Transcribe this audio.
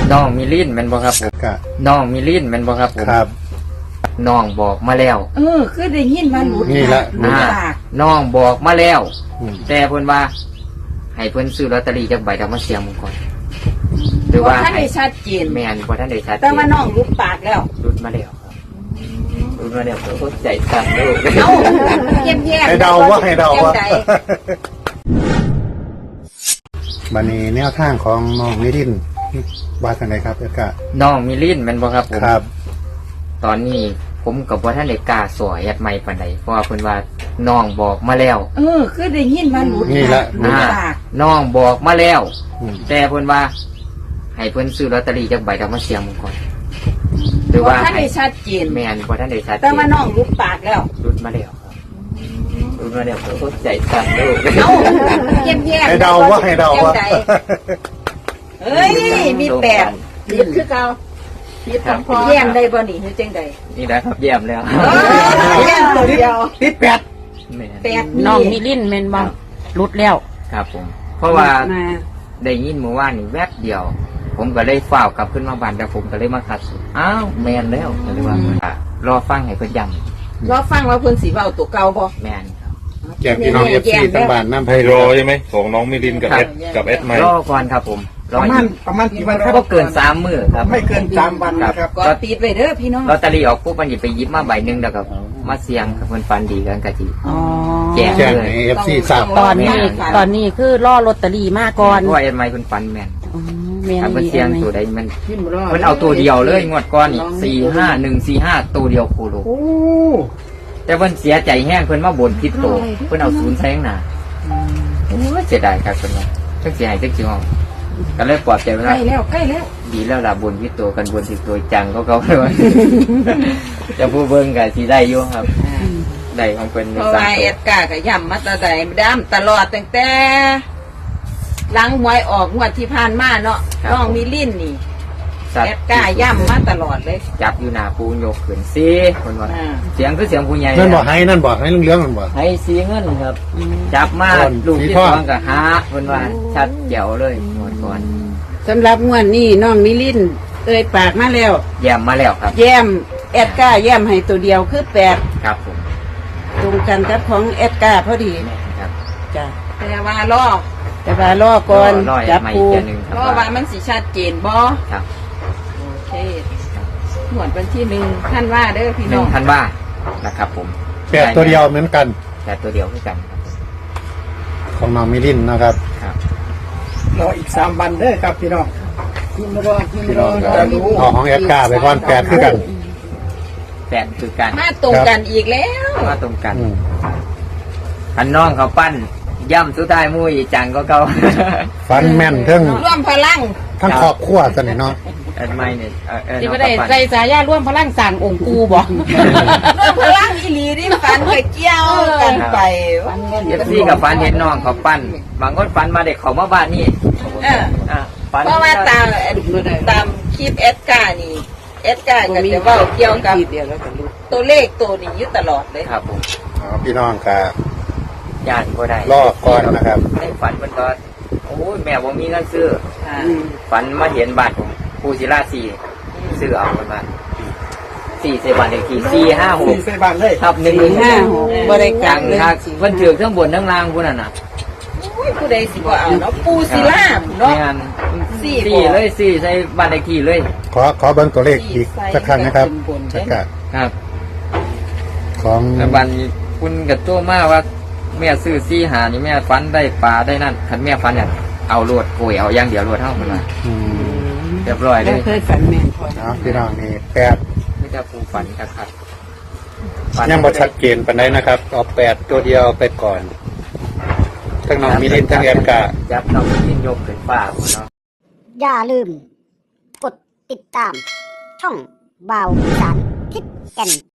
น้องมิลินแม่นบ่ครับผมน้องมิลินแม่นบ่ครับผมครับน้องบอกมาแล้วคือได้ยินว่าหลุดนี่ละหลุดปากน้องบอกมาแล้ว แต่เพิ่นว่า ให้เพิ่นซื้อลอตเตอรี่จักใบแล้วมาเสี่ยงมึงก่อนหรือว่าท่านได้ชัดเจนแม่นบ่ทันได้ชัดเจนแต่ว่าน้องหลุดปากแล้วรุดมาแล้วครับรุดมาแล้วก็ใจสั่นเด้อเอ้าเยี่ยมแย่ให้เดาว่าให้เดาว่าใจบันนี้แนวทางของน้องมิรินว่ากันไหนครับเอกะน้องมิลินแม่นบ่ครับผมครับตอนนี้ผมกับบ่ทันได้กล้าสวยแอดใหม่ปานใดเพราะว่าเพิ่นว่าน้องบอกมาแล้วคือได้ยินว่าหลุดนี่ละหลุดปากน้องบอกมาแล้วอืมแต่เพิ่นว่า ให้เพิ่นซื้อลอตเตอรี่จักใบแล้วมาเสี่ยงมึงก่อนหรือว่าท่านได้ชัดเจนแม่นบ่ทันได้ชัดเจนแต่ว่าน้องหลุดปากแล้วรุดมาแล้วครับรุดมาแล้วก็ใจสั่นเด้อเอ้าเยี่ยมแย่ให้เดาว่าให้เดาว่าใจเอ้ยมีแปดผิดคือเก่าผิดของพ่อแย่มได้บ่นี่คือจังใดนี่นะครับเยี่ยมแล้วแย่มตัวเดียวติดแปดแม่นแปดน้องมิลินแม่นบ่รุดแล้วครับผม เพราะว่ามาได้ยินเมื่อวานนี่แวบเดียว ผมก็เลยฝ้าวกลับขึ้นมาบ้านแต่ผมก็เลยมาคัดสูตรอ้าวแมนแล้วก็เลยว่ารอฟังให้เพิ่นย้รอฟังว่าเพิ่นสิเว้าตัวเก่าบ่ำแมนครับแก่พี่น้องเอฟซีทั้งบ้านน้ำไพให้โรรอใช่ไหมของน้องมิลินกับครัเอบ สกับเอสไมรอก่อนครับผมรออยู่ประมาณกี่วันครับก็เกิน3 มื้อครับไม่เกิน3 วันนะครับก็ติดไว้เด้อพี่น้องลอตเตอรี่ออกปุ๊บมันหยิบไปหยิบมาใบหนึงแล้วก็มาเสี่ยงกับเพิ่นฟันดีกันกะจิอ๋อแจ้งแจ้งในเอฟซีทราบตอนนี้คือล่อลอตเตอรี่มาก่อนเพราะว่าเอ็นไมค์เพิ่นฟันแม่นอ๋อแม่นถ้าเพิ่นดีเสี่ยงไหมตัวใดมันเพิ่นเอาตัวเดียวเลยงวดก่อนนี่45145ตัวเดียวโคโลโอ้แต่เพิ่นเสียใจแห้งเพิ่นมาบ่นผิดโตเพิ่นเอาศูนย์ใส่ข้างหน้าโอ้ยเสียดายครับเพิ่นว่าจังสิให้จังสิห้องก็เลยปลอบใจเพิ่นใกล้ว่าแล้วใกล้แล้วดีแล้วล่ะบ่นผิดโตกันบ่นผิดโตจังก็เก่าเลยว่าจะผู้เบิ่งก็สิได้อยู่ครับได้ของเพิ่นเพราะว่าเอ็ดกาก็ย่ำมาแต่ใดดํตลอดตั้งแต่หลังหวยออกงวดที่ผ่านมาเนาะน้องมิลินนี่สัตเอ็ดว์กาย่ำมาตลอดเลยจับอยู่หน้าปูยกขึ้นสิเพิ่นว่าอ่าเสียงคือเสียงผู้ใหญ่นั่นบอกให้นั่นบอกให้เรื่องนั่นบอกให้สีเงินครับ จับมาก่อนลูกสีที่ทอง 2ก็หาเพิ่นว่าชัดแจ๋วเลยงวดก่อนสำหรับงวดนี้น้องมิลินเอ่ยปากมาแล้วแย้มมาแล้วครับแย้มแอดก้าแย้มให้ตัวเดียวคือแปดครับผมตรงกันกับของแอดก้าพอดีครับจ้ะแต่ว่ารอแต่ว่าล่อก่อนรอจับใหม่ปูอีกเทื่อหนึงครับรอว่ามันสิชัดเจนบ่ครับโอเคหวดวันที่1ท่านว่าเด้อพี่หน้นึ่อง งพันบาทนะครับผมแปดตัวเดียวเหมือนกันแต่ตัวเดียวคือกันของน้องมิรินนะครับครับรออีก3 วันเด้อครับพี่น้องพี่รอพี่น้องครับเอาของเอฟกาไปก่อนแปดคือกันแปดคือกันมาตรงกันอีกแล้วมาตรงกันอืมอันน้องเขาปั้นย่ำสุดท้ายมุ้ยจังก็เก่าฟันแม่นเทั้งร่วมพลังทั้งครอบครัวสนิทเนาะอันไม่เนี่ยที่ไม่น้องได้เขาปั้นใจสายาร่วมพลังสั่งองค์ปูบอกร่วมพลังอีหลีที่ฟันไปเกี่ยวกันไปเอฟซีกับฟันเห็นน้องเขาปั้นบางคนฟันมาเด็กเขามาบ้านนี่เออฟันเพราะว่าตามคลิปเอสกานี่เอสกาก็จะเว่าเกี่ยวกับตัวเลขตัวนี้อยู่ตลอดเลยครับผมพี่น้องกับญาติก็ได้รอก่อนนะครับในฝันมันก็โอ้ยแม่ผมมีเงินซื้อค่ะฝันมาเห็นบ้านผมปูศิลา4ซื้อเอามันมา4 เซบันเลขที่ 4 456 ใส่บ้านเลยทับ 456 บริกาจัรง เลยครับเพิ่นถือเครื่องบนทั้งล่างพุ่นน่ะนะอุ้ยผู้ใดสิบ่เอาเนาะปูศิลามเนาะงานสี่สี่เลยสี่ใส่บ้านเลขที่เลยขอเบิ้งตัวเลขอีกสักครั้งนะครับสักกะครับของแล้วบัดนี้คุณกับโจ้มาว่าแม่ซื้อ4 หานี่แม่ฝันได้ปลาได้นั่นคันแม่ฝันเนี่ยเอาโลดโกยเอาอย่างเดียวโลดเท่ามันว่าอืมเรียบร้อยเลแล้วยเคยฝันแม่นพอเนาะพี่น้องนี่แปดไม่ได้ปูฝันครับยังบ่ชัดเจนปานใดนะครับเอาแปดตัวเดียวไปก่อน ทั้งน้องมิรินทั้งเอฟกาจับน้องมิลินยกขึ้นฟ้าพุ่นเนาะอย่าลืม กดติดตาม ช่องบ่าวสารทิศแก่น